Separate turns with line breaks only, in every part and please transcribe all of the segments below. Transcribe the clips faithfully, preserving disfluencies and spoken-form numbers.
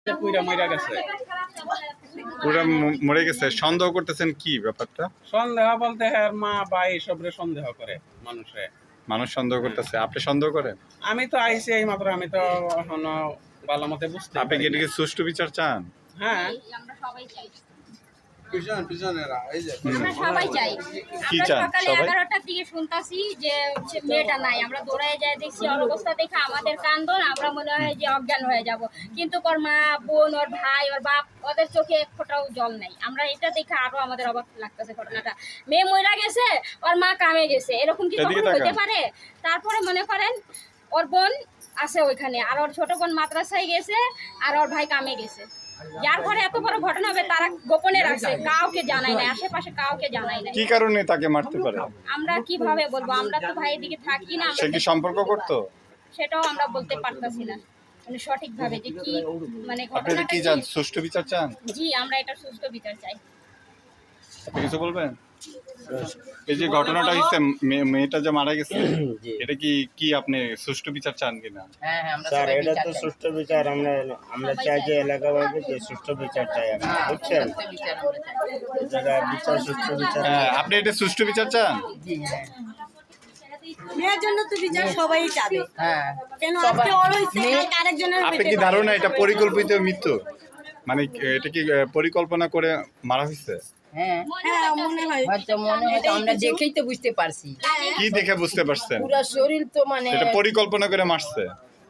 পুরা মরে গেছে।
পুরা ম- মরে গেছে। সন্দেহ করতেছেন কি ব্যাপারটা?
সন্দেহ বলতে হ্যাঁ মা ভাই এসবরে সন্দেহ করে মানুষে।
মানুষ সন্দেহ করতেছে, আপনি সন্দেহ করেন?
আমি তো আইসি এই মাত্র, আমি তো এখনো ভালো মতে বুঝতে
আপনি কি
পারি না।
এটাকে সুষ্ঠু বিচার চান?
হ্যাঁ
আমরা সবাই চাই
পিছন পিছনেরা এই যে
আমরা সবাই চাই
কি
আমরা
চান
সকালে
সবাই?
এগারোটার দিকে শুনতাছি যে হচ্ছে মেয়েটা নাই, আমরা দৌড়ায় যাই দেখছি ওর অবস্থা দেখে আমাদের কান্দন, আমরা মনে হয় যে অজ্ঞান হয়ে যাব, কিন্তু ওর মা বোন ওর ভাই ওর বাপ ওদের চোখে এক ফোঁটাও জল নাই। আমরা এটা দেখে আরো আমাদের অবাক লাগতেছে ঘটনাটা। মেয়ে মইরা গেছে, ওর মা কামে গেছে, এরকম কি
এদিকে
কখনো হইতে
তাকান।
পারে? তারপরে মনে করেন ওর বোন আছে ওইখানে, আর ওর ছোট বোন মাদ্রাসায় গেছে, আর ওর ভাই কামে গেছে। যার ঘরে এত বড় ঘটনা হবে তারা গোপনে রাখছে, কাউকে জানায় না, আশেপাশে কাউকে জানায় না।
কি কারণে তাকে মারতে পারে?
আমরা কিভাবে বলবো, আমরা তো ভাইয়ের দিকে থাকি না,
সে
আমরা
কি সম্পর্ক করতো?
সেটাও আমরা বলতে পারতাছি না মানে সঠিক ভাবে যে কি মানে
আপনারা
ঘটনাটা
কি
কি।
চান? সুষ্ঠু বিচার চান?
জি আমরা এটা সুস্থ বিচার চাই।
আপনি কিছু বলবেন? এই যে ঘটনাটা হয়েছে, মে- মেয়েটা যে মারা গেছে, এটা কি কি আপনি সুষ্ঠু বিচার চান কিনা?
হ্যাঁ হ্যাঁ আমরা
স্যার
সবাই
এটা
বিচার
তো
চাই।
সুষ্ঠু বিচার আমরা আমরা
সবাই
চাই
চাই।
যে এলাকাবাসী যে সুষ্ঠু বিচার চাই আমরা, বুঝছেন?
সুষ্ঠু বিচার আমরা চাই।
যারা বিচার সুষ্ঠু বিচার
হ্যাঁ, আপনি এটা সুষ্ঠু বিচার চান?
জি হ্যাঁ
মেয়ের জন্য তো বিচার সবাই চাবে,
হ্যাঁ
কেন
সবাই-
আজকে ওর হইছে
মেয়ে-
কালকে আরেকজনের
আপনি
হইতে
কি
পারে।
ধারণা এটা পরিকল্পিত মৃত্যু? মানে এটা কি আহ, পরিকল্পনা করে মারা হয়েছে?
হ্যাঁ
হ্যাঁ মনে হয়
হয়তো মনে হয় তো আমরা দেখেই তো বুঝতে পারছি,
কি দেখে বুঝতে পারছেন?
পুরো শরীর তো মানে
এটা পরিকল্পনা করে মারছে।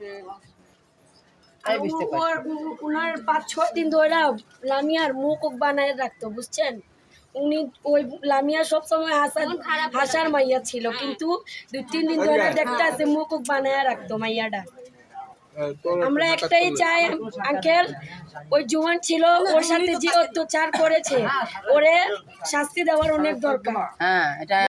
তাই বুঝতে পারছি।
ওর উনার পাঁচ ছয় দিন ধরে লামিয়ার মুখ বানায় রাখতো, বুঝছেন? উনি ওই লামিয়া সবসময় হাসার হাসার মাইয়া ছিল, কিন্তু দুই তিন দিন ধরে দেখতে আছে মুখ বানায় রাখতো মাইয়াটা। আমরা একটাই চাই আঙ্কেল, ওই জোয়ান ছিল ওর সাথে যে অত্যাচার করেছে ওরে শাস্তি দেওয়ার অনেক দরকার।
হ্যাঁ এটা